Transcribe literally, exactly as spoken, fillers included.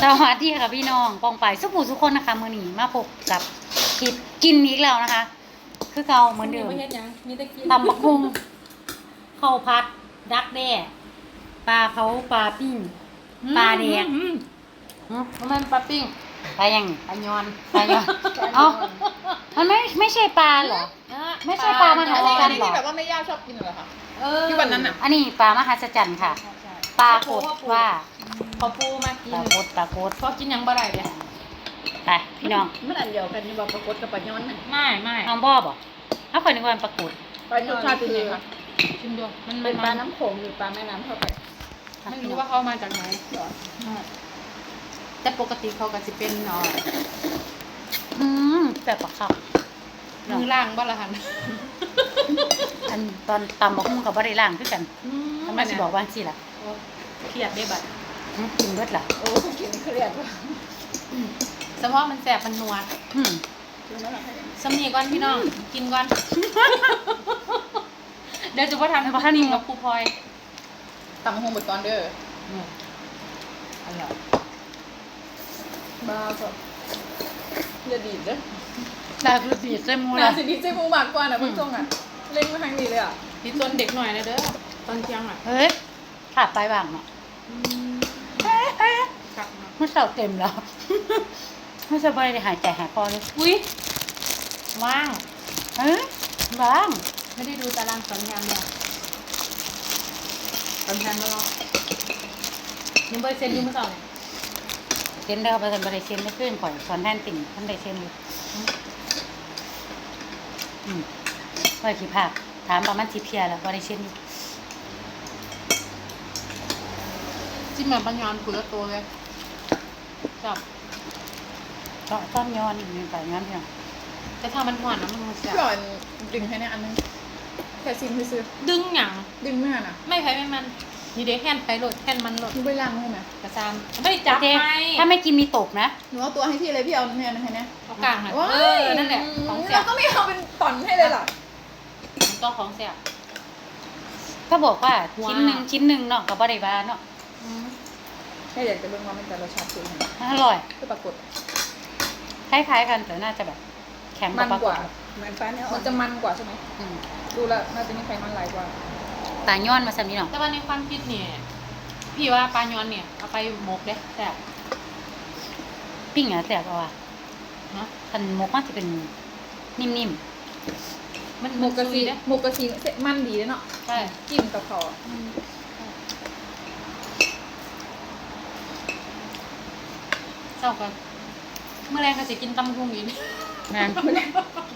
สวัสดีค่ะพี่น้องปองไปสุขุสุขคนนะคะมือหนีมาพบกับคลิปกินอีกแล้วนะคะ คือเก่าเหมือนเดิมไม่เฮ็ดหยังมีแต่กินตำบักหุ่งข้าวผัดดักแด้ปลาเผาปลาปิ้งปลาแดงอืมอืมมันปลาปิ้งปลายังปลายอนปลายังเอ้ามันไม่ไม่ใช่ปลาเหรอ ไม่ใช่ปลามหาศาลอันนี้ที่แบบว่าไม่ย่าชอบกินเหรอคะเออที่วันนั้นน่ะอันนี้ปลามหัศจรรย์ค่ะ ปลากดว่าพอปูมากิปนลากดปลากดพอกินหยังบ่ได้เนี่ยไปพี่น้องมันอันเดียวกันนี่บอกปรากฏกับปลาย้อนน่ะไม่ไม่น้องบ่อบอกเอาคนนึกว่ามันปลากดปลาย้อนคือชิมดูมันเป็นปลามันน้ำโขงหรือปลาแม่น้ำเข้าไปไม่รู้ว่าเขามาจากไหนเหรอแต่ปกติเขาก็สิเป็นเนาะอืมแบบปลาข้าวมือล่างบ่ละหันอันตอนตำบักหุ่งกับบ่ได้ล้างคือกันอืทำไมสิบอกว่าสิล่ะโอ้เครียดได้บัดหึกินเบิดล่ะโอ้กินเครียดว่ะอืมสมองมันแสบมันนัวอืมกินแล้วเหรอคะเนี่ยสำนีก่อนพี่น้องกินก่อน เดี๋ยวจะว่าทำท่านนี้กับครูพลอยตำหงบดก่อนเด้ออืมอร่อยบ้าก็อย่าดีดเด้อดาคือสีใส่หมูหนาล่ะสิดีเจมูมากกว่านะเพิ่งจงอ่ะเล่นมาทางนี้เลยอ่ะพี่ต้นเด็กหน่อยนะเด้อตอนเที่ยงอ่ะเฮ้ยขาดไปบ้างเนาะกลับมามันเสาเต็มแล้ว ไม่สบายได้หายใจหายคอเลยอุ้ยว่างเฮ้ยบ้างไม่ได้ดูตารางสอนงานเนี่ยสอนงานมาลองยังเบอร์เซ็นต์อยูเมื่อสองเซ็นเด้อไปกันบ่ได้เซ็นได้ขึ้นก่อนสอนแทนติ่งท่านได้เซ็นอยู่อืมว่าขี้ภาคถามประมาณสิเพียแล้วบ่ได้เซ็นอยู่จิ้มแบบปัญญอนกุละตัวเลยจับก็ต้อนย้อนอีกหนึ่งไปย้อนเพียงแต่ถ้ามันหวานนะมันมันเสียพี่อ่อนดึงให้เนี่ยอันนึงแค่ซิมซื้อดึงหยังดึงไม่หันอ่ะไม่ใช่ไม่มันนี่เด็กแห่นไปโหลดแห่นมันโหลดมึงไปล้างใช่ไหมกระซามไม่ได้จับโอเคไหมถ้าไม่กินมีตกนะหนูเอาตัวให้พี่เลยพี่เอาเนี่ยนะให้เนี่ยเอากลางหน่อยว้ายเออนั่นแหละของเสียเราก็ไม่เอาเป็นตอนให้เลยล่ะต้องของเสียก็บอกว่าว้าชิ้นหนึ่งชิ้นหนึ่งเนาะกับบริบาลเนาะแค่อยากจะเบิ่งว่ามันจะรสชาติเป็นยังไงอร่อยคือปรากฏคล้ายๆกันแต่น่าจะแบบแข็งมันปลากว่าฏเหมือนฟ้าเนี่ยมันจะมันกว่าใช่ไหมอืมดูแล้วน่าจะมีไขมันหลายกว่าตาย้อนมาสมีเนาะแต่ว่าในความคิดเนี่ยพี่ว่าปลาย้อนเนี่ยเอาไปหมกเด้แต่บปิ้งอ่ะแสบเอาอ่ะเนาะคันมกมันจะเป็นนิ่มมันหมกกะซีเด้หมกกะซีเสร็จมันดีเลยเนาะใช่กินกับเขาวอืมเศร้ากันเมื่อแรงก็จะกินตำพุงอีกๆนะไม่ได้